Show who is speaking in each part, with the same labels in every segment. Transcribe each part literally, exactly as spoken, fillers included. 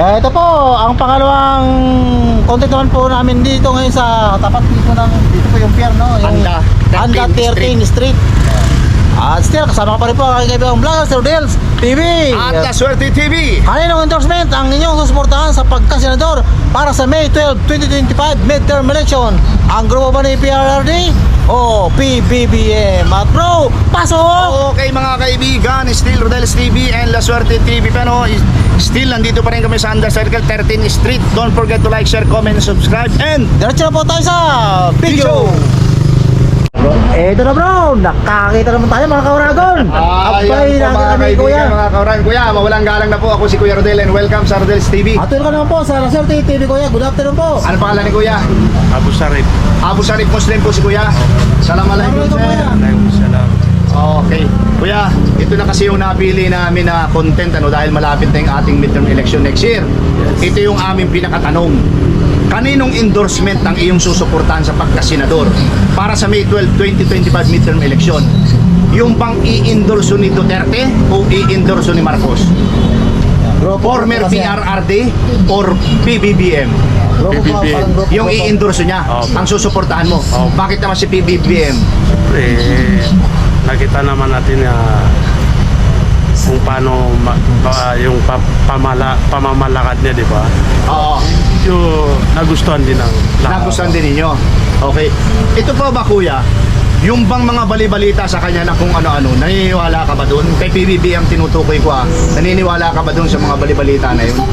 Speaker 1: Eh, ito po, ang pangalawang content naman po namin dito ngayon sa tapat dito ng, dito po yung pier, no? Yung
Speaker 2: Anda,
Speaker 1: Anda thirteenth Street. At still, kasama ko pa rin po ang aking kaibigang vlogger, Sir Dels T V.
Speaker 2: At La Suerte T V.
Speaker 1: Kaninong endorsement ang inyong susuportahan sa pagkasenador para sa May twelfth, twenty twenty-five midterm election? Ang grupo ba ni P R R D o P B B M? At bro, pasok!
Speaker 2: Okay mga kaibigan, still Rodel's T V and La Suerte T V. Pero still, nandito pa rin kami sa Anda Circle thirteenth Street. Don't forget to like, share, comment, and subscribe. And
Speaker 1: Diretso na po tayo sa video. Eh, ito na bro, nakakita naman tayo mga kauragon. Abay,
Speaker 2: Ayan po mga
Speaker 1: nakita kami kuya.
Speaker 2: kaibigan, mga kauran. Kuya, mawalang galang na po. Ako si Kuya Rodel and welcome sa Rodel's T V.
Speaker 1: At ka naman po sa La Suerte T V kuya. Good afternoon po.
Speaker 2: Ano pangalan ni Kuya?
Speaker 3: Abu Sarip.
Speaker 2: Abu Sarip Muslim po si Kuya. Salamualaikum
Speaker 1: Assalamualaikum,
Speaker 2: sir.
Speaker 1: kuya.
Speaker 3: Waalaikumsalam.
Speaker 2: Okay. Kuya, ito na kasi yung napili namin na content ano dahil malapit na yung ating midterm election next year. Ito yung aming pinakatanong. Kaninong endorsement ang iyong susuportahan sa pagkasenador para sa May twelfth, twenty twenty-five midterm election? Yung bang i-endorso ni Duterte o i-endorso ni Marcos?
Speaker 1: Grupo
Speaker 2: Former
Speaker 1: kasi
Speaker 2: P
Speaker 1: yan.
Speaker 2: R R D or P B B M?
Speaker 1: Grupo po,
Speaker 3: P B B.
Speaker 1: parang grupo
Speaker 2: Yung
Speaker 1: po.
Speaker 2: i-endorso niya,
Speaker 3: Opo.
Speaker 2: ang susuportahan mo.
Speaker 3: Opo.
Speaker 2: Bakit naman si P B B M?
Speaker 3: Eh, nakita naman natin na kung paano ma, pa, yung pa, pamala, pamamalakad niya, di ba?
Speaker 2: Oo.
Speaker 3: Yung nagustuhan din ng lahat.
Speaker 2: Nagustuhan din ninyo. Okay. Ito po ba kuya, yung bang mga balibalita sa kanya na kung ano-ano, naniniwala ka ba doon? Kay P B B ang tinutukoy ko ah, naniniwala ka ba doon sa mga balibalita na yun?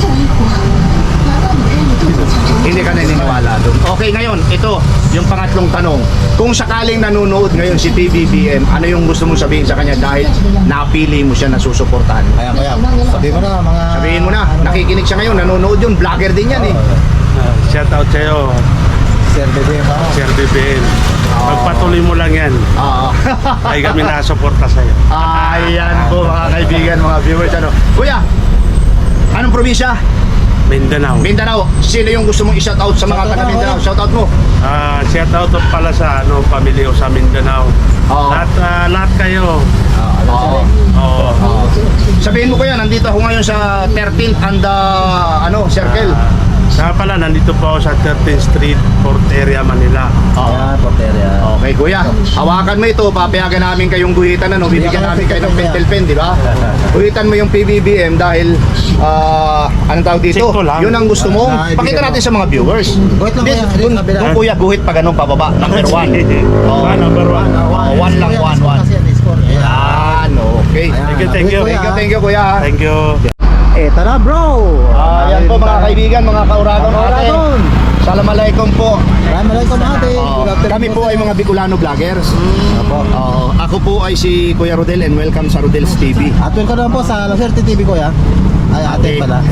Speaker 2: Hindi ka naniniwala doon. Okay, ngayon, ito, yung pangatlong tanong. Kung sakaling nanonood ngayon si P B B M, ano yung gusto mong sabihin sa kanya dahil napili mo siya na susuportahan?
Speaker 1: Kaya kaya, sabihin mo na mga...
Speaker 2: Sabihin mo na,
Speaker 1: ano ba?
Speaker 2: nakikinig siya ngayon, nanonood yun, vlogger din yan eh.
Speaker 3: Uh, shout out sa'yo,
Speaker 1: Sir Bebe mo.
Speaker 3: Sir B B N. Magpatuloy mo lang yan.
Speaker 2: Oo.
Speaker 3: Ay kami nakasuporta sa'yo.
Speaker 2: Ayan po mga kaibigan, mga viewers. Ano? Kuya, anong probinsya?
Speaker 3: Mindanao.
Speaker 2: Mindanao. Sino yung gusto mong i-shout out sa mga
Speaker 1: Shout out
Speaker 2: taga
Speaker 1: na,
Speaker 2: Mindanao?
Speaker 1: kuya.
Speaker 2: Shout out mo.
Speaker 3: Ah, shout out pala sa ano, pamilya ko sa Mindanao.
Speaker 2: Oo.
Speaker 3: Lahat, ah, lahat kayo.
Speaker 2: Oo.
Speaker 3: Oo.
Speaker 2: Oo. Sabihin mo kuya, nandito ako ngayon sa thirteenth and uh, ano, circle.
Speaker 3: Ah, Saka pala, nandito po ako sa thirteenth Street, Port Area, Manila.
Speaker 1: Ayan, porteria.
Speaker 2: Okay kuya, hawakan mo ito, papayagan namin kayong guhitan ano, bibigyan namin kayo ng pentel pen, di ba? Guhitan mo yung P B B M dahil ah, anong tawag dito?
Speaker 3: Sikto lang.
Speaker 2: Yun ang gusto mo.
Speaker 1: Ah, ibigay
Speaker 2: Pakita
Speaker 1: mo.
Speaker 2: natin sa mga viewers.
Speaker 1: Guhit lang
Speaker 2: Di-
Speaker 1: kuya,
Speaker 2: dun-
Speaker 1: sa kabila.
Speaker 2: dun, kuya, guhit pa ganun pababa, number one. Oh.
Speaker 3: Ah, number one.
Speaker 2: Oh, one lang, one, one.
Speaker 1: Kasi yan, score.
Speaker 2: Yan, okay.
Speaker 1: Ayan.
Speaker 3: Thank you, thank you.
Speaker 2: Thank you, thank you kuya.
Speaker 3: Thank you.
Speaker 1: Eto na bro.
Speaker 2: Ah, yan po mga kaibigan, mga kauragon
Speaker 1: Mga
Speaker 2: natin.
Speaker 1: kauragon.
Speaker 2: Assalamualaikum po.
Speaker 1: Assalamualaikum ate.
Speaker 2: Oo.
Speaker 1: Good afternoon
Speaker 2: Kami po ay mga Bicolano vloggers.
Speaker 1: Apo.
Speaker 2: Oo. Ako po ay si Kuya Rodel and welcome sa Rodel's T V.
Speaker 1: At welcome naman po sa La Suerte T V kuya. Ay, ate
Speaker 2: Okay.
Speaker 1: pala.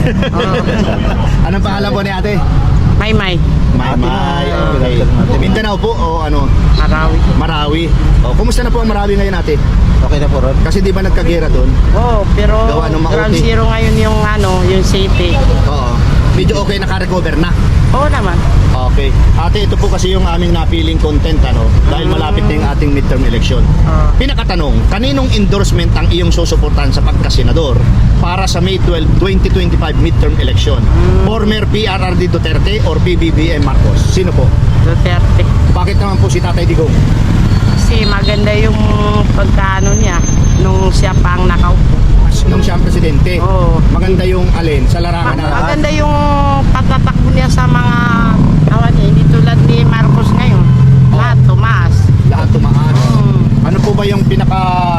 Speaker 2: Anong pangalan po ni ate?
Speaker 4: May may.
Speaker 2: May
Speaker 1: Ate
Speaker 2: May.
Speaker 1: May.
Speaker 2: Okay.
Speaker 1: Ate May.
Speaker 2: Mindanao po o ano?
Speaker 4: Marawi.
Speaker 2: Marawi. O, kumusta na po ang Marawi ngayon ate?
Speaker 1: Okay na po ron.
Speaker 2: Kasi di ba nagkagera doon?
Speaker 4: Oo, pero
Speaker 2: Gawa ng makuti.
Speaker 4: ground zero ngayon yung ano, yung city.
Speaker 2: Oo. Medyo okay, naka-recover na.
Speaker 4: Oo naman.
Speaker 2: Okay. Ate, ito po kasi yung aming napiling content ano, dahil malapit na yung ating midterm election.
Speaker 4: Ah.
Speaker 2: Pinakatanong, kaninong endorsement ang iyong susuportahan sa pagkasenador para sa May twelfth, twenty twenty-five midterm election? Former P R R D Duterte or P B B M Marcos? Sino po?
Speaker 4: Duterte.
Speaker 2: Bakit naman po si Tatay Digong?
Speaker 4: Kasi maganda yung pagkaano niya nung siya pang nakaupo.
Speaker 2: Nung siya ang presidente.
Speaker 4: Oo.
Speaker 2: Maganda yung alin sa larangan na
Speaker 4: Maganda yung pagtatakbo niya sa mga awan niya. Hindi tulad ni Marcos ngayon. Lahat tumaas.
Speaker 2: lahat tumaas.
Speaker 4: Hmm.
Speaker 2: Ano po ba yung pinaka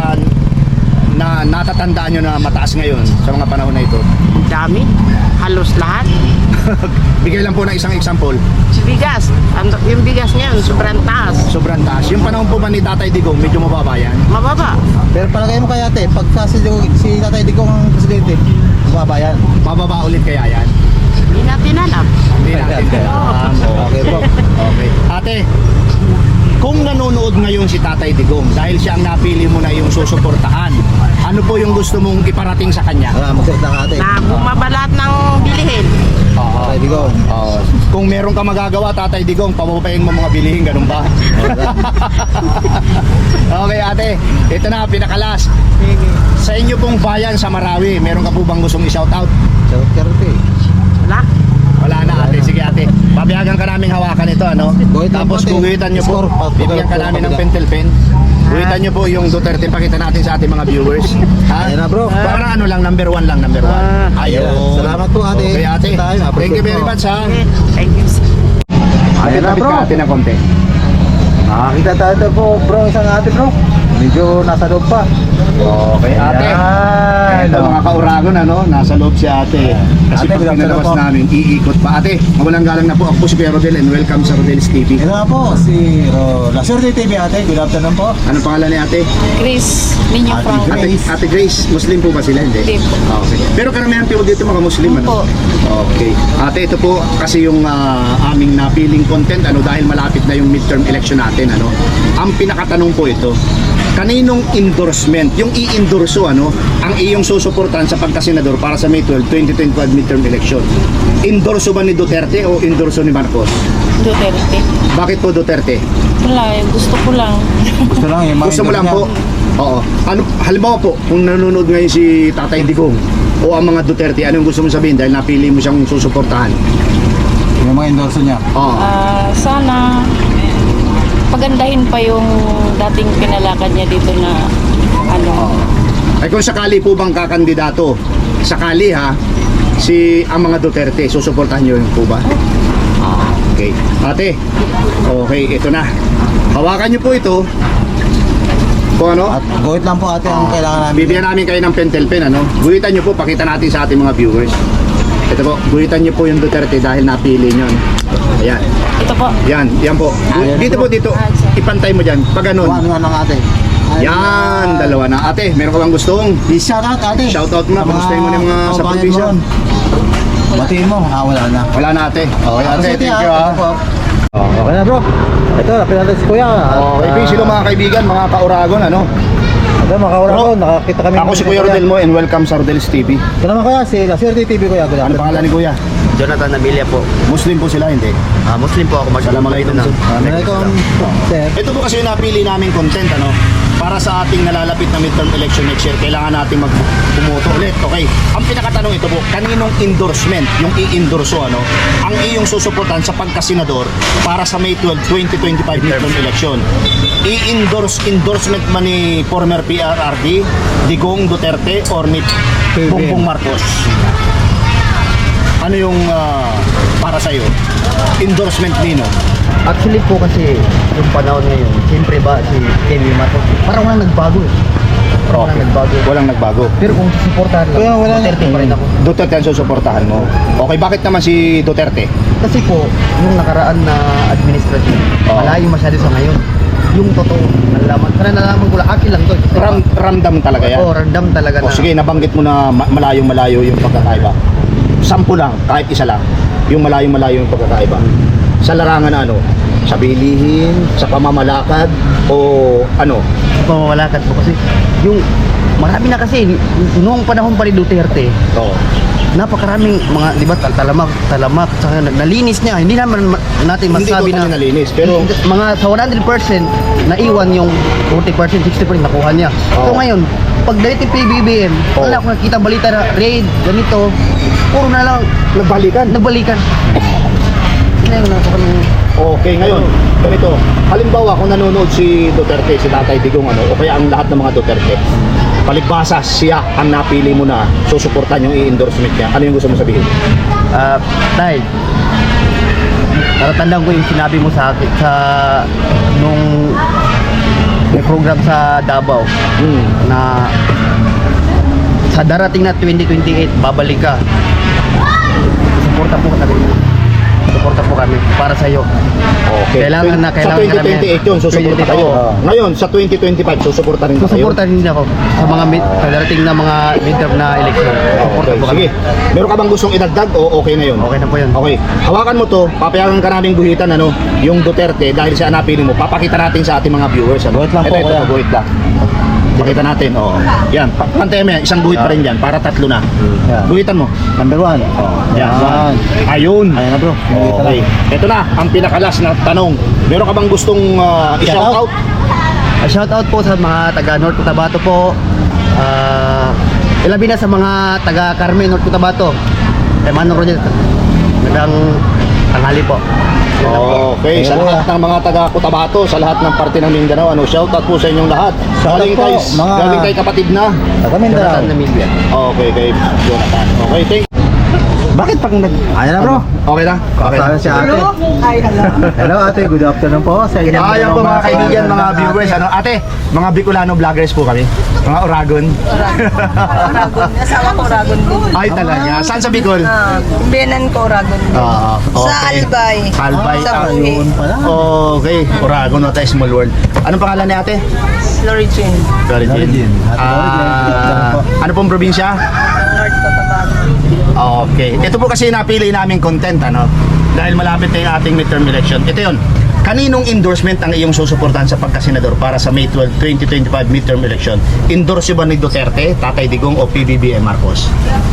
Speaker 2: na natatandaan nyo na mataas ngayon sa mga panahon na ito?
Speaker 4: Ang dami. Halos lahat.
Speaker 2: Bigay lang po ng isang example.
Speaker 4: Bigas. Ang- Yung bigas ngayon, sobrang taas.
Speaker 2: Sobrang taas. Yung panahon po ba ni Tatay Digong, medyo mababa yan?
Speaker 4: Mababa.
Speaker 1: Pero palagay mo kaya ate, pagka si, si Tatay Digong ang presidente, bumaba yan.
Speaker 2: Mababa ulit kaya yan?
Speaker 4: Hindi natin alam.
Speaker 2: Hindi natin alam.
Speaker 1: Okay po.
Speaker 2: Okay. Ate, kung nanonood ngayon si Tatay Digong dahil siya ang napili mo na yung susuportahan, ano po yung gusto mong iparating sa kanya?
Speaker 1: Ah, magsalita ka ate.
Speaker 4: Na bumaba lahat ng bilihin.
Speaker 2: Oo.
Speaker 1: Tatay Digong.
Speaker 2: Oo. Kung meron ka magagawa, Tatay Digong, pababayin mo mga bilihin, ganun ba? Okay ate, ito na, pinakalas. Sa inyo pong bayan sa Marawi, meron ka po bang gustong i-shout out?
Speaker 1: Shout out ka rin, eh.
Speaker 4: Wala.
Speaker 2: Wala na ate, sige ate. Papayagan ka namin hawakan ito, ano?
Speaker 1: Guhit lang
Speaker 2: Tapos
Speaker 1: po, ate.
Speaker 2: guhitan nyo po,
Speaker 1: Score, pa-
Speaker 2: bibigyan ka
Speaker 1: pa-
Speaker 2: namin ng
Speaker 1: pa-
Speaker 2: pentel pen. Guhitan nyo po yung Duterte, pakita natin sa ating mga viewers. Ha?
Speaker 1: Ayan na, bro.
Speaker 2: Para ano lang, number one lang, number one.
Speaker 4: Ah.
Speaker 2: Ayun.
Speaker 1: Salamat po, ate.
Speaker 2: Okay ate,
Speaker 1: Tayo, appreciate
Speaker 2: thank you very
Speaker 1: po.
Speaker 2: much ha.
Speaker 4: Okay. Thank you.
Speaker 1: Ayan na,
Speaker 2: Lapit
Speaker 1: bro.
Speaker 2: ka ate ng konti.
Speaker 1: Nakakita tayo ito po, bro, isang ate, bro. Medyo nasa loob pa.
Speaker 2: Okay ate.
Speaker 1: Ayan.
Speaker 2: Ito mga kauragon, ano, nasa loob si ate. Kasi
Speaker 1: Ate,
Speaker 2: pag
Speaker 1: good afternoon
Speaker 2: pinalabas
Speaker 1: po.
Speaker 2: namin, iikot pa. Ate, mawalang galang na po. Ako po si Kuya Rodel and welcome sa Rodel's T V.
Speaker 1: Ito nga po, si Ro La Suerte T V, ate. Good afternoon po.
Speaker 2: Ano pangalan ni ate?
Speaker 5: Chris, Ninyo
Speaker 1: Ate
Speaker 5: Frank.
Speaker 2: Ate,
Speaker 1: Grace.
Speaker 2: ate Grace, Muslim po ba sila? Hindi.
Speaker 5: Hindi po.
Speaker 2: Ah, okay. Pero karamihan po dito mga Muslim, ano?
Speaker 5: Opo.
Speaker 2: Okay. Ate, ito po kasi yung ah, aming napiling content, ano, dahil malapit na yung midterm election natin, ano. Ang pinakatanong po ito, kaninong endorsement, yung i-endorso, ano, ang iyong susuportahan sa pagkasenador para sa May twelfth, twenty twenty-five midterm election? Endorso ba ni Duterte o endorso ni Marcos?
Speaker 5: Duterte.
Speaker 2: Bakit po Duterte?
Speaker 5: Wala, eh, gusto ko lang.
Speaker 1: Gusto lang yung mga
Speaker 2: Gusto mo lang po? Oo. Ano, halimbawa po, kung nanonood ngayon si Tatay Digong o ang mga Duterte, ano yung gusto mo sabihin dahil napili mo siyang susuportahan?
Speaker 1: Yung mga endorso niya.
Speaker 2: Oo.
Speaker 5: Ah, sana pagandahin pa yung dating pinalakad niya dito na ano.
Speaker 2: Ay kung sakali po bang kakandidato, sakali ha, si ang mga Duterte, susuportahan niyo yun po ba? Ah, okay. Ate, okay, ito na. Hawakan niyo po ito. Kung ano?
Speaker 1: At guhit lang po, ate, ang kailangan namin.
Speaker 2: Bibigyan namin kayo ng pentel pen, ano? Guhitan niyo po, pakita natin sa ating mga viewers. Ito po, guhitan niyo po yung Duterte dahil napili niyo. Ayan.
Speaker 5: Ito po.
Speaker 2: Yan, yan po.
Speaker 1: Ayan,
Speaker 2: Dito po, dito. Ipantay mo dyan. Pag ganun.
Speaker 1: Ano nga lang, ate.
Speaker 2: Yan, dalawa na. Ate, meron ka bang gustong?
Speaker 1: I-shout out, ate.
Speaker 2: Shout out mo na, kamustahin mo na yung mga sa
Speaker 1: kababayan
Speaker 2: probinsya.
Speaker 1: mo ron. Batiin mo. Ah, wala na.
Speaker 2: Wala na ate. Okay ate,
Speaker 1: Ate,
Speaker 2: thank you
Speaker 1: ah.
Speaker 2: ha.
Speaker 1: Ito po. Oh, okay na, bro. Ito, lapit natin si Kuya.
Speaker 2: Okay,
Speaker 1: At,
Speaker 2: uh, sino mga kaibigan, mga kauragon, ano?
Speaker 1: Ito, mga kaura ko. Nakakita kami.
Speaker 2: Ako si Kuya Rodel mo and welcome sa Rodel's T V.
Speaker 1: Ito naman, Kuya. Si La Suerte T V, Kuya. Good
Speaker 2: Ano
Speaker 1: afternoon.
Speaker 2: pangalan ni Kuya?
Speaker 6: Jonathan Amilia po.
Speaker 2: Muslim po sila, hindi?
Speaker 6: Ah, Muslim po ako.
Speaker 2: Assalamualaikum.
Speaker 6: na.
Speaker 1: Assalamualaikum, sir.
Speaker 2: Ito po kasi yung napili namin content, ano? Para sa ating nalalapit na midterm election next year, kailangan natin mag-bumoto ulit. Okay. Ang pinakatanong ito po, kaninong endorsement, yung i-endorso, ano, ang iyong susuportahan sa pagkasenador para sa May twelfth, twenty twenty-five midterm election? I-endorse, endorsement man ni former P R R D, Digong Duterte, or ni
Speaker 1: P B M.
Speaker 2: Bongbong Marcos? Ano yung ah, para sa iyo? Endorsement nino?
Speaker 6: Actually po kasi yung panahon ngayon, siyempre ba si Kemi Mato, parang walang nagbago eh. Parang walang nagbago.
Speaker 2: Walang nagbago.
Speaker 6: Pero kung susuportahan lang,
Speaker 1: Kaya wala na.
Speaker 6: Duterte pa rin ako.
Speaker 2: Duterte ang susuportahan mo. Okay, bakit naman si Duterte?
Speaker 6: Kasi po, yung nakaraan na administration,
Speaker 2: Oo.
Speaker 6: malayo masyado sa ngayon. Yung totoo, nalaman. Sana nalaman ko lang, akin lang to. Kasi
Speaker 2: Ram, ramdam talaga yan.
Speaker 6: Oo, random talaga
Speaker 2: O
Speaker 6: na.
Speaker 2: sige, nabanggit mo na ma- malayong-malayo yung pagkakaiba. Sampu lang, kahit isa lang. Yung malayong-malayo yung pagkakaiba. Sa larangan na ano? Sa bilihin, sa pamamalakad, o ano?
Speaker 6: Pamamalakad po kasi yung marami na kasi noong panahon pa ni Duterte,
Speaker 2: Oo.
Speaker 6: napakaraming mga, di ba, tal- talamak, talamak, saka nag- nalinis niya. Hindi naman ma- natin
Speaker 2: Hindi
Speaker 6: masabi
Speaker 2: totally
Speaker 6: na
Speaker 2: nalinis, pero
Speaker 6: mga sa one hundred percent naiwan yung forty percent, sixty percent nakuha niya. So
Speaker 2: Oo.
Speaker 6: ngayon, pag dahil P B B M,
Speaker 2: Oo.
Speaker 6: wala akong nakita balita na raid, ganito, puro na lang
Speaker 2: nagbalikan.
Speaker 6: nagbalikan. Ngayon, napakang
Speaker 2: Okay, ngayon, ganito. Halimbawa, kung nanonood si Duterte, si Tatay Digong, ano, o kaya ang lahat ng mga Duterte, palibhasa siya ang napili mo na susuportahan yung i-endorsement niya. Ano yung gusto mo sabihin?
Speaker 6: Ah, dahil natatandaan ko yung sinabi mo sa akin sa nung may program sa Davao
Speaker 2: Hmm.
Speaker 6: na sa darating na twenty twenty-eight babalik ka. Suporta po kami. Suporta po kami para sa iyo.
Speaker 2: Okay.
Speaker 6: Kailangan na- kailangan
Speaker 2: sa twenty twenty-eight yun, susuporta kayo.
Speaker 6: Oo.
Speaker 2: Ngayon, sa twenty twenty-five, susuporta rin ba kayo?
Speaker 6: Susuporta rin ako sa mga mid, sa darating na mga midterm na election. Suporta
Speaker 2: Okay,
Speaker 6: po kami.
Speaker 2: sige. Meron ka bang gustong idagdag o okay na yun?
Speaker 6: Okay na po yun.
Speaker 2: Okay. Hawakan mo to, papayagan ka namin guhitan, ano, yung Duterte, dahil siya napili mo. Papakita natin sa ating mga viewers. Ano?
Speaker 1: Guhit lang po,
Speaker 2: Ito, ito,
Speaker 1: kuya.
Speaker 2: guhit lang. Pakita natin, oo. Yan, pa- pantay mo yan, isang guhit pa rin yan, para tatlo na.
Speaker 1: Yan.
Speaker 2: Guhitan mo.
Speaker 1: Number one.
Speaker 2: Yan.
Speaker 1: Yan.
Speaker 2: Ayun.
Speaker 1: Ayan na, bro. Ito
Speaker 2: Okay. Ito na, ang pinakalas na tanong. Meron ka bang gustong uh, i-shout out?
Speaker 6: Uh, shout out po sa mga taga North Cotabato po. Ah, ilabi na sa mga taga Carmen, North Cotabato. Kay Manong Rodel, Magandang tanghali po.
Speaker 2: Okay, sa lahat ng mga taga Cotabato, sa lahat ng parte ng Mindanao, ano, shoutout po sa inyong lahat.
Speaker 1: Shoutout
Speaker 2: Galing
Speaker 1: po,
Speaker 2: kay,
Speaker 1: mga-
Speaker 2: galing kay kapatid na.
Speaker 1: Taga Mindanao.
Speaker 6: Jonathan Namilya.
Speaker 2: Okay, kay Jonathan. Okay, thank
Speaker 1: Bakit pag nag... Ayan na bro.
Speaker 2: Okay na? Okay na.
Speaker 1: Kasama si ate. Hello ate, good afternoon po sa inyo.
Speaker 2: Ah, yan po mga kaibigan, mga viewers. Ano, ate, mga Bicolano vloggers po kami. Mga Oragon.
Speaker 7: Oragon. Asawa ko Oragon din.
Speaker 2: Ay talaga. Saan sa Bicol?
Speaker 7: Ah, biyanan ko Oragon din.
Speaker 2: Ah,
Speaker 7: Sa
Speaker 2: okay.
Speaker 7: Albay.
Speaker 2: Albay.
Speaker 7: Sa
Speaker 2: ah,
Speaker 7: Buhi.
Speaker 1: Yun pala.
Speaker 2: Okay, Oragon, not a small world. Anong pangalan ni ate?
Speaker 7: Lorigin.
Speaker 2: Lorigin.
Speaker 1: Lorigin. Ate
Speaker 2: Ah,
Speaker 1: Lorigin.
Speaker 2: ano pong probinsya?
Speaker 7: North Cotabato.
Speaker 2: Okay. Ito po kasi napili naming content, ano? Dahil malapit na yung ating midterm election. Ito yun. Kaninong endorsement ang iyong susuportahan sa pagkasenador para sa May twelfth, twenty twenty-five midterm election? Endorse ba ni Duterte, Tatay Digong o P B B M Marcos?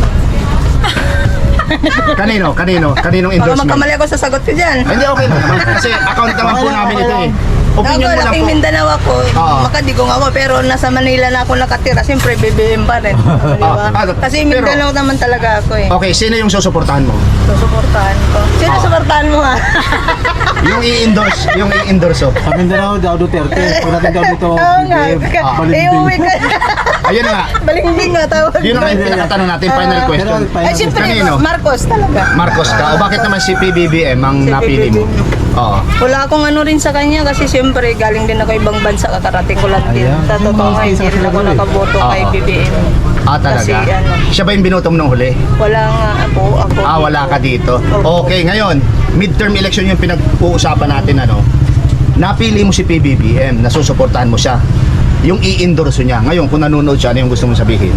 Speaker 2: Kanino? Kanino? Kaninong
Speaker 7: Baka
Speaker 2: endorsement?
Speaker 7: magkamali ako sa sagot ko dyan.
Speaker 2: Ay, Hindi, okay lang naman. Kasi account naman po namin ito eh.
Speaker 7: Ako,
Speaker 2: Opinion mo lang
Speaker 7: laking
Speaker 2: po.
Speaker 7: Mindanao ako.
Speaker 2: Oo.
Speaker 7: Makadigong ako. Pero nasa Manila na ako nakatira. Siyempre, B B M pa rin. Di ba?
Speaker 2: Ah, ah,
Speaker 7: Kasi
Speaker 2: pero-
Speaker 7: Mindanao naman talaga ako eh.
Speaker 2: Okay, sino yung susuportahan mo?
Speaker 7: Susuportahan ko. Sino suportahan mo ha?
Speaker 2: Yung i-endorse, yung i-endorse oh.
Speaker 1: Sa Mindanao daw Duterte. Pag natin daw dito,
Speaker 7: Oo nga.
Speaker 1: B B M, ah,
Speaker 7: Eh, uwi
Speaker 1: balimbing.
Speaker 7: ka.
Speaker 2: Ayun na nga.
Speaker 7: Balimbing nga tawag.
Speaker 2: Yun ang pinakatanong natin, final question.
Speaker 1: Pero,
Speaker 7: Ay, siyempre,
Speaker 2: Kanino?
Speaker 7: Marcos talaga.
Speaker 2: Marcos ka? O bakit naman si P B B M ang
Speaker 7: Si
Speaker 2: napili mo?
Speaker 7: P B B M.
Speaker 2: Oo.
Speaker 7: Wala akong ano rin sa kanya kasi siyempre galing din ako ibang bansa, kakarating ko lang din.
Speaker 1: Ayan.
Speaker 7: Sa totoo nga,
Speaker 1: Yung
Speaker 7: hindi
Speaker 1: mga
Speaker 7: rin ako
Speaker 1: sila
Speaker 7: nakaboto
Speaker 2: eh.
Speaker 7: kay
Speaker 2: Oo.
Speaker 7: B B M.
Speaker 2: Ah, talaga?
Speaker 7: Kasi ano,
Speaker 2: Siya ba yung binotom nung huli?
Speaker 7: wala nga ako. ako
Speaker 2: Ah, wala ka dito.
Speaker 7: Opo.
Speaker 2: Okay, ngayon, midterm election yung pinag-uusapan natin, ano? Napili mo si P B B M, nasusuportahan mo siya. Yung i-endorse niya. Ngayon, kung nanonood siya, ano yung gusto mong sabihin?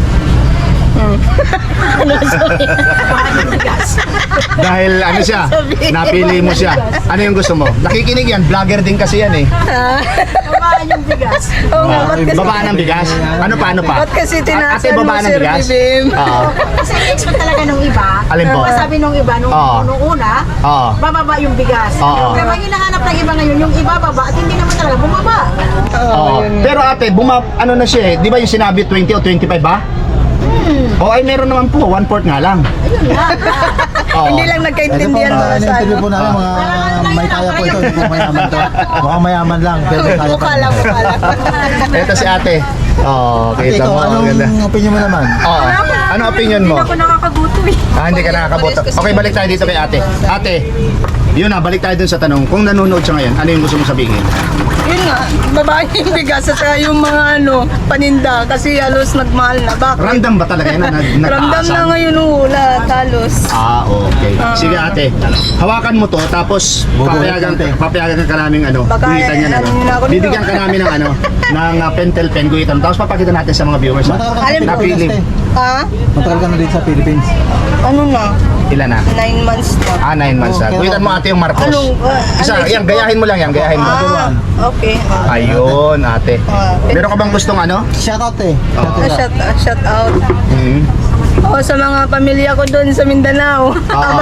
Speaker 2: Dahil ano siya, napili mo siya. Ano yung gusto mo? Nakikinig yan, vlogger din kasi yan eh.
Speaker 7: Babaan yung bigas. Oo nga, ba't kasi,
Speaker 2: Babaan ng bigas? Ano pa, ano pa?
Speaker 7: ba't kasi
Speaker 2: Ate,
Speaker 7: tinasan mo,
Speaker 2: babaan ng
Speaker 7: Sir
Speaker 2: bigas?
Speaker 7: B B M?
Speaker 2: Oo.
Speaker 8: Kasi expect talaga nung iba.
Speaker 2: Alin po?
Speaker 8: Pero sabi nung iba, nung,
Speaker 2: Oo.
Speaker 8: nung una,
Speaker 2: Oo.
Speaker 8: bababa yung bigas.
Speaker 2: Oo.
Speaker 8: Pero ang hinahanap ng iba ngayon, yung iba baba at hindi naman talaga bumaba.
Speaker 2: Oo. Pero ate, buma, ano na siya eh, di ba yung sinabi twenty o twenty-five ba? O ay meron naman po, one fourth nga lang. Oo.
Speaker 7: Hindi lang
Speaker 1: Ito po,
Speaker 7: nagkaintindihan
Speaker 1: mga
Speaker 7: mo sa
Speaker 1: in-interview
Speaker 7: ano.
Speaker 1: po namin, mga may kaya po ito. Hindi po mayaman to. Mukhang mayaman lang, pero may kaya pa.
Speaker 7: Mukha lang, mukha lang.
Speaker 2: Ito si ate. Oo,
Speaker 1: Ate,
Speaker 2: kita
Speaker 1: ikaw,
Speaker 2: mo.
Speaker 1: anong
Speaker 2: Ganda.
Speaker 1: opinion mo naman?
Speaker 2: Oo. Ano opinion mo?
Speaker 8: Ako nakakabuto eh.
Speaker 2: Ah, hindi ka nakakaboto. Okay, balik tayo dito kay ate. Ate, yun na, balik tayo dun sa tanong. Kung nanonood siya ngayon, ano yung gusto mo sabihin?
Speaker 7: Yun nga, babaan yung bigas at saka yung mga ano, paninda kasi halos nagmahal na. Bakit?
Speaker 2: Ramdam ba talaga yun na nag
Speaker 7: Ramdam
Speaker 2: nagtaasan?
Speaker 7: na ngayon wala, halos.
Speaker 2: Ah, okay. Sige ate, hawakan mo to tapos papayagan,
Speaker 1: Bubuhitan, te.
Speaker 2: papayagan ka namin ano,
Speaker 7: Baka,
Speaker 2: guhitan yan ano.
Speaker 7: ano yun ako nito.
Speaker 2: Bibigyan ka namin ng ano, ng uh, pentel pen guhitan. Tapos papakita natin sa mga viewers. ha?
Speaker 1: Matagal ka
Speaker 7: Alam
Speaker 1: na
Speaker 7: mo,
Speaker 2: napili.
Speaker 1: Pilipinas, te.
Speaker 7: Ha?
Speaker 1: Matagal ka na dito sa Philippines.
Speaker 7: Ano na?
Speaker 2: Ilan na?
Speaker 7: Nine months na.
Speaker 2: Ah, nine months na.
Speaker 1: Okay.
Speaker 2: Guhitan mo ate yung Marcos.
Speaker 7: Anong, uh,
Speaker 2: Isa,
Speaker 7: ano,
Speaker 2: yan, gayahin mo lang yan, gayahin mo.
Speaker 7: Ah, okay. Ah,
Speaker 2: Ayun, ate.
Speaker 7: Ah,
Speaker 2: Meron ka bang gustong ano?
Speaker 1: Shoutout eh.
Speaker 2: Oo.
Speaker 7: ah, shout, ah, shout out.
Speaker 2: Hmm.
Speaker 7: Oh, sa mga pamilya ko doon sa Mindanao.
Speaker 2: Oo.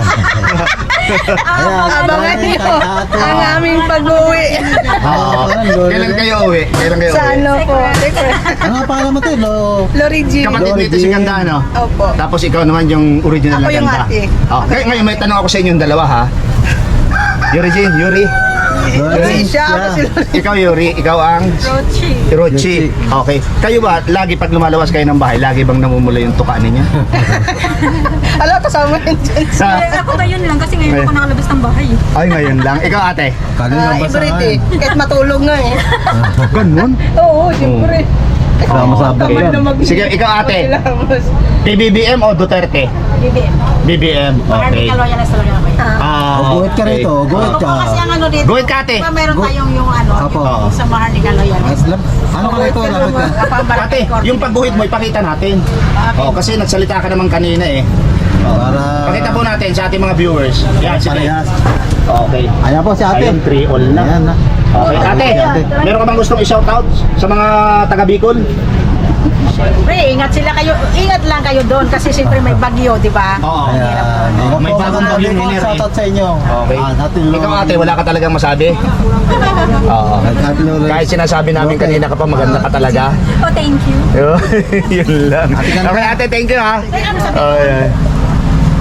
Speaker 1: Ayan,
Speaker 7: Abangan
Speaker 1: kay
Speaker 7: niyo
Speaker 1: ate.
Speaker 7: ang aming pag-uwi.
Speaker 2: Oo. Kailan kayo uwi? Kailan kayo
Speaker 7: Sa
Speaker 2: uwi?
Speaker 7: ano po?
Speaker 1: Ano nga pangalan mo te? Lo...
Speaker 7: Lorigi.
Speaker 2: Kapatid nito si Ganda, ano?
Speaker 7: Opo.
Speaker 2: Tapos ikaw naman yung original
Speaker 7: Ako
Speaker 2: na
Speaker 7: yung
Speaker 2: ganda.
Speaker 7: ate.
Speaker 2: Oh, ngay- ngayon may tanong ako sa inyong dalawa ha. Yuri Jean, Yuri.
Speaker 7: Si siya, ako si Lorigi.
Speaker 2: Ikaw Yuri, ikaw ang
Speaker 8: Rochi.
Speaker 2: Rochi. Okay. Kayo ba, lagi pag lumalabas kayo ng bahay, lagi bang namumula yung tuka ninyo?
Speaker 7: Ala, kasama yun dyan.
Speaker 2: Sa,
Speaker 8: Eh, ako ngayon lang kasi ngayon ako nakalabas ng bahay.
Speaker 2: ay ngayon lang. Ikaw ate.
Speaker 1: Kanina
Speaker 7: Ah,
Speaker 1: ba sa
Speaker 7: everyday. Kahit matulog nga eh.
Speaker 2: Ganun.
Speaker 7: Oo, siyempre.
Speaker 1: Kasama sa vlog
Speaker 7: Tamad
Speaker 1: yan.
Speaker 7: na mag-
Speaker 2: Sige, ikaw ate.
Speaker 7: Kilamos.
Speaker 2: P B B M o Duterte?
Speaker 8: B B M.
Speaker 2: B B M.
Speaker 8: Marami
Speaker 2: Okay.
Speaker 8: ka loyalist talaga ako eh.
Speaker 2: Ah,
Speaker 1: O, guhit ka
Speaker 2: okay.
Speaker 1: rito, guhit ka.
Speaker 8: Kasi ang ano dito,
Speaker 2: Guhit ka, ate.
Speaker 8: diba meron
Speaker 1: Gu-
Speaker 8: tayong yung ano,
Speaker 1: Apo.
Speaker 8: yung sa Maharlika
Speaker 1: At
Speaker 8: loyalist.
Speaker 1: lam- Ano ka rito? Lapit ka.
Speaker 2: Ate, yung pagguhit mo, ipakita natin. Oh, kasi nagsalita ka naman kanina eh.
Speaker 1: Para...
Speaker 2: Pakita po natin sa ating mga viewers. Yan, sige.
Speaker 1: Parehas.
Speaker 2: Okay.
Speaker 1: Ayan po si ate.
Speaker 2: Ayun, three all na.
Speaker 1: Ayan na.
Speaker 2: Okay, ate, meron ka bang gustong i-shoutout sa mga taga Bicol?
Speaker 8: Siyempre, ingat sila kayo, ingat lang kayo doon kasi siyempre may bagyo, di ba?
Speaker 2: Oo.
Speaker 1: Ayan. Ingat
Speaker 2: May
Speaker 1: po,
Speaker 2: bagong
Speaker 1: magandang
Speaker 2: bagyo
Speaker 1: gabi po.
Speaker 2: ni Neri.
Speaker 1: Shoutout sa inyo.
Speaker 2: Okay.
Speaker 1: Ah, natin
Speaker 2: Ikaw ate, wala ka talagang masabi? Oo.
Speaker 1: Natin Lolo.
Speaker 2: Kahit sinasabi namin
Speaker 1: Okay.
Speaker 2: kanina ka pa maganda ka talaga.
Speaker 8: Oh, thank you.
Speaker 2: Yun lang. Okay ate, thank you ha. Oh, yeah.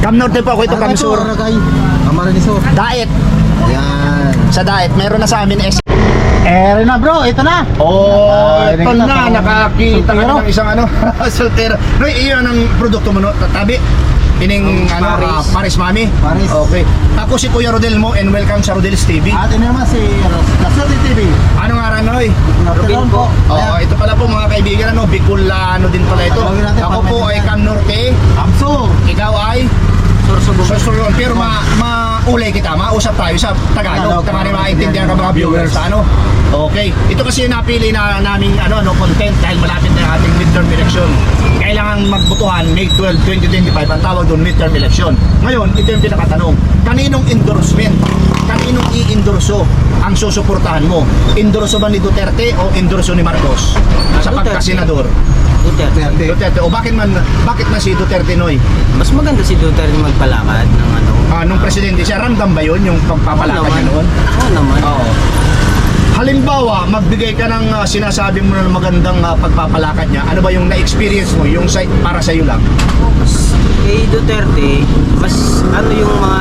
Speaker 2: Cam Norte po ako, ito Cam Sur.
Speaker 1: Aragay. Amarinisor.
Speaker 2: Diet.
Speaker 1: Ayan.
Speaker 2: Sa diet, meron na sa amin S.
Speaker 1: Ere na bro, ito na.
Speaker 2: Oh,
Speaker 1: Ah,
Speaker 2: ito
Speaker 1: ito
Speaker 2: na,
Speaker 1: na,
Speaker 2: nakakita ka
Speaker 1: soltero.
Speaker 2: ng isang ano, soltero. Roy, iyon ang produkto mo, no? Tabi. Ining ano,
Speaker 1: Paris.
Speaker 2: ah, Paris Mami.
Speaker 1: Paris.
Speaker 2: Okay. Ako si Kuya Rodel mo and welcome sa Rodel's T V.
Speaker 1: At ito naman si Laserte T V.
Speaker 2: Anong araw, Noy?
Speaker 1: Norte po.
Speaker 2: Oh, ito pala po mga kaibigan, ano, Bicolano din pala ito.
Speaker 1: Tawagin natin,
Speaker 2: Ako po ay
Speaker 1: pag-
Speaker 2: Cam Norte,
Speaker 1: Abso.
Speaker 2: ikaw ay Sorsogon. Sorsogon. Pero ma maulay kita, mausap tayo sa Tagalog.
Speaker 1: Tagalog.
Speaker 2: Tama rin maintindihan ka mga viewers sa ano. Okay. Ito kasi yung napili na naming ano, no, content dahil malapit na yung ating midterm election. Kailangan magbotohan May twelfth, twenty twenty-five. Ang tawag doon midterm election. Ngayon, ito yung pinakatanong. Kaninong endorsement? Kaninong i-endorso ang susuportahan mo? Endorso ba ni Duterte o endorso ni Marcos? Sa pagkasenador.
Speaker 9: Duterte.
Speaker 2: Duterte. O bakit man bakit man si Duterte, Noy?
Speaker 9: Mas maganda si Duterte magpalakad ng ano.
Speaker 2: Ah, nung presidente siya, ramdam ba yun yung pagpapalakad niya noon?
Speaker 9: Oo naman.
Speaker 2: Oo. Halimbawa, magbigay ka ng ah, sinasabi mo na magandang ah, pagpapalakad niya. Ano ba yung na-experience mo, yung sa, para sa iyo lang?
Speaker 9: Mas kay Duterte, mas ano yung mga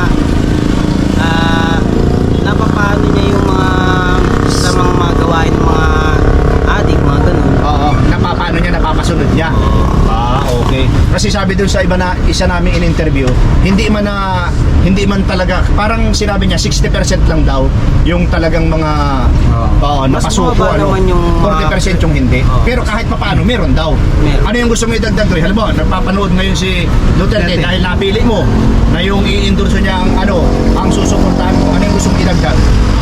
Speaker 9: ah napapaano niya yung mga sa mga mga gawain ng mga adik, mga ganun.
Speaker 2: Oo. Napapano niya, napapasunod niya. Ah, okay. Kasi sabi dun sa iba na isa namin in-interview, hindi man na hindi man talaga, parang sinabi niya sixty percent lang daw yung talagang mga oo,
Speaker 9: Mas
Speaker 2: napasuko
Speaker 9: bumaba
Speaker 2: ano.
Speaker 9: naman yung mga-
Speaker 2: forty percent yung hindi.
Speaker 9: Oo.
Speaker 2: Pero kahit papaano, meron daw.
Speaker 9: Meron.
Speaker 2: Ano yung gusto mo idagdag doon? Halimbawa, nagpapanood ngayon si Duterte
Speaker 1: Duterte.
Speaker 2: dahil napili mo na yung i-endorso niya ang ano, ang susuportahan mo. Ano yung gusto mo idagdag?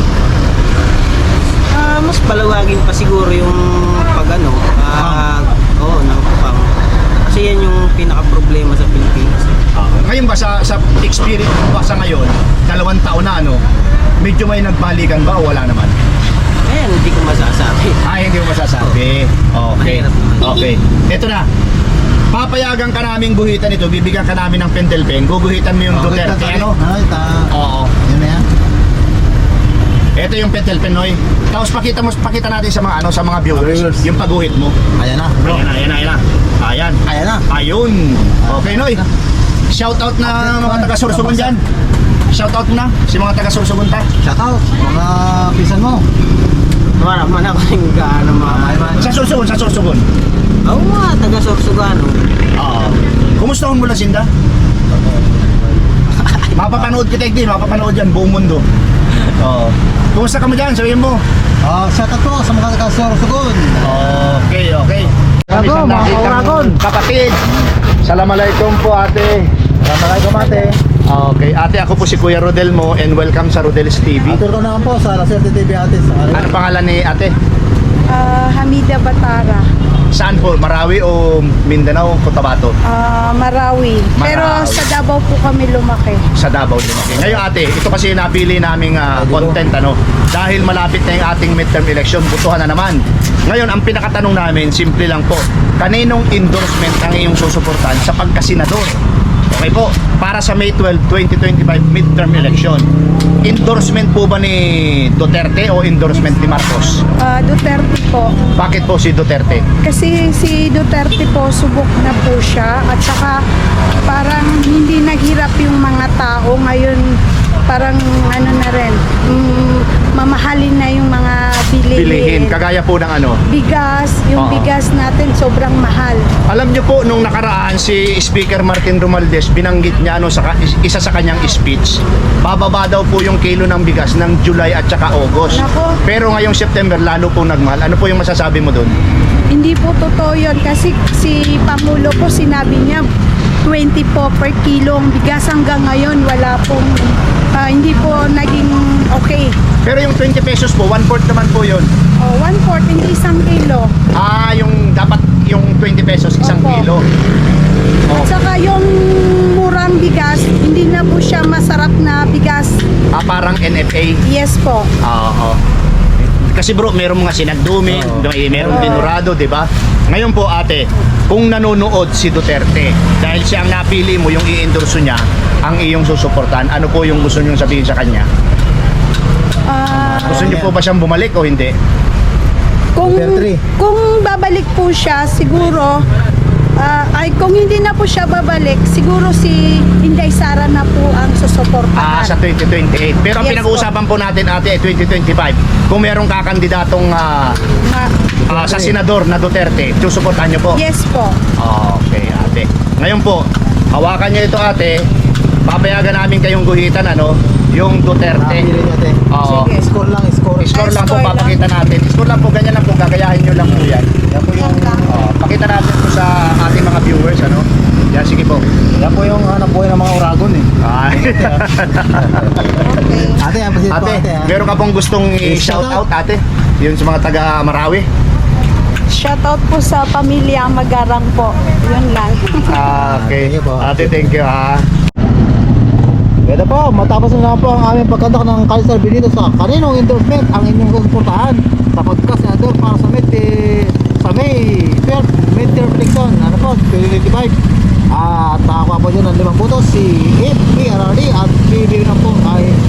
Speaker 9: Ah, mas palawagin pa siguro yung pag ano, ah, oo, no, pang kasi yan yung pinaka problema sa Pilipinas.
Speaker 2: Ngayon ba sa, sa experience mo ba sa ngayon, dalawang taon na ano, medyo may nagbalikan ba o wala naman?
Speaker 9: Ayan, hindi ko masasabi.
Speaker 2: Ay, hindi mo masasabi. Okay.
Speaker 9: Mahirap naman.
Speaker 2: Okay. Ito na. Papayagan ka naming guhitan ito, bibigyan ka namin ng pentel pen, guguhitan mo yung Duterte, ano?
Speaker 1: Ay, ta.
Speaker 2: Oo.
Speaker 1: Yun na yan.
Speaker 2: Ito yung pentel pen, Noy. Tapos pakita mo, pakita natin sa mga ano, sa mga viewers,
Speaker 1: Viewers.
Speaker 2: yung pagguhit mo.
Speaker 1: Ayan na, bro.
Speaker 2: Ayan na, ayan na, ayan na. Ayan.
Speaker 1: Ayan na.
Speaker 2: Ayun. Okay, Noy. Shout out na mga taga Sorsogon diyan. Shout out na si mga taga Sorsogon ta.
Speaker 1: Shout out, mga pisan mo.
Speaker 9: Wala man ako yung gaano mga
Speaker 2: Sa Sorsogon, sa Sorsogon.
Speaker 9: Oo nga, taga Sorsogano.
Speaker 2: Oo. Kumusta mo lang Sinda? Mapapanood kita din, mapapanood yan buong mundo. Oo. Kumusta ka mo diyan? Sabihin mo.
Speaker 1: Ah, shout out po sa mga taga-Sorsogon.
Speaker 2: Okay, okay.
Speaker 1: Uragon,
Speaker 2: Isang
Speaker 1: mga
Speaker 2: nakitang
Speaker 1: kauragon.
Speaker 2: Kapatid. Assalamualaikum po ate.
Speaker 1: Assalamualaikum ate.
Speaker 2: Okay, ate ako po si Kuya Rodel mo and welcome sa Rodel's T V.
Speaker 1: Atur ko naman po sa Laserte T V ate. Sa
Speaker 2: Ano pangalan ni ate?
Speaker 7: Ah, Hamida Batara,
Speaker 2: Saan po? Marawi o Mindanao, Cotabato?
Speaker 7: ah, Marawi. Pero
Speaker 2: Marawi.
Speaker 7: sa Davao po kami lumaki.
Speaker 2: Sa Davao din. Okay. Ngayon ate, ito kasi yung napili naming ah, content ano. Dahil malapit na yung ating midterm election, butuhan na naman. Ngayon, ang pinakatanong namin, simple lang po. Kaninong endorsement ang iyong susuportahan sa pagkasenador? Okay po, para sa May twelfth, twenty twenty-five midterm election. Endorsement po ba ni Duterte o endorsement ni Marcos?
Speaker 7: Ah, Duterte po.
Speaker 2: Bakit po si Duterte?
Speaker 7: Kasi si Duterte po, subok na po siya. At saka parang hindi naghirap yung mga tao. Ngayon, parang ano na rin, mm, mamahalin na yung mga bilihin.
Speaker 2: Bilihin, kagaya po ng ano.
Speaker 7: Bigas, yung
Speaker 2: Oo.
Speaker 7: bigas natin sobrang mahal.
Speaker 2: Alam niyo po, nung nakaraan si Speaker Martin Romualdez, binanggit niya ano, sa, ka- isa sa kanyang speech, bababa daw po yung kilo ng bigas ng July at saka August.
Speaker 7: Nako.
Speaker 2: Pero ngayong September, lalo po nagmahal. Ano po yung masasabi mo doon?
Speaker 7: Hindi po totoo yun kasi si Pangulo po sinabi niya twenty po per kilo ang bigas hanggang ngayon wala pong ah, hindi po naging okay.
Speaker 2: Pero yung twenty pesos po, one-fourth naman po yun.
Speaker 7: Oh, one fourth hindi isang kilo.
Speaker 2: Ah, yung dapat yung twenty pesos, isang
Speaker 7: Opo.
Speaker 2: kilo.
Speaker 7: At saka yung murang bigas, hindi na po siya masarap na bigas.
Speaker 2: Ah, parang N F A.
Speaker 7: Yes po.
Speaker 2: Oo. Kasi bro, meron mga sinagdumi, may meron din Dorado, di ba? Ngayon po ate, kung nanonood si Duterte, dahil siya ang napili mo, yung i-endorso niya, ang iyong susuportahan, ano po yung gusto niyong sabihin sa kanya?
Speaker 7: Ah,
Speaker 2: Gusto niyo po ba siyang bumalik o hindi?
Speaker 7: kung
Speaker 1: Duterte.
Speaker 7: kung babalik po siya, siguro Ah, ay kung hindi na po siya babalik, siguro si Inday Sara na po ang susuportahan.
Speaker 2: Ah, sa twenty twenty-eight. Pero ang
Speaker 7: Yes
Speaker 2: pinag-uusapan po natin ate ay twenty twenty-five. Kung merong kakandidatong ah,
Speaker 7: Ma-
Speaker 2: ah, sa senador na Duterte, susuportahan niyo po?
Speaker 7: yes po.
Speaker 2: Okay, ate. Ngayon po, hawakan niyo ito ate. Papayagan namin kayong guhitan ano, yung Duterte. Oo.
Speaker 7: Sige.
Speaker 1: Score lang, score.
Speaker 2: Score lang po
Speaker 7: Score lang.
Speaker 2: papakita natin. Score lang po, ganyan lang po, gagayahin nyo lang po yan.
Speaker 1: Yan po yung,
Speaker 2: Oo, pakita natin po sa ating mga viewers ano. Yan, sige po.
Speaker 1: yan po yung hanap buhay ng mga Uragon eh.
Speaker 2: Ay.
Speaker 1: Ate, yan po
Speaker 2: ate,
Speaker 1: ate. ah.
Speaker 2: meron ka pong gustong i-shout out ate? Yun sa mga taga Marawi.
Speaker 7: Shoutout po sa pamilya Magarang po. Yun lang.
Speaker 2: Ah, okay.
Speaker 1: Thank you po.
Speaker 2: Ate, thank you ha.
Speaker 1: Ito po, matapos na naman po ang aming pagkandak ng Kalisar Benito sa kaninong endorsement ang inyong susuportahan sa pagka-senador para sa May, eh, sa May twelve midterm election, ano po, twenty twenty-five. At nakakuha po dyan ng limang boto si F P R R D at bibigyan na po ay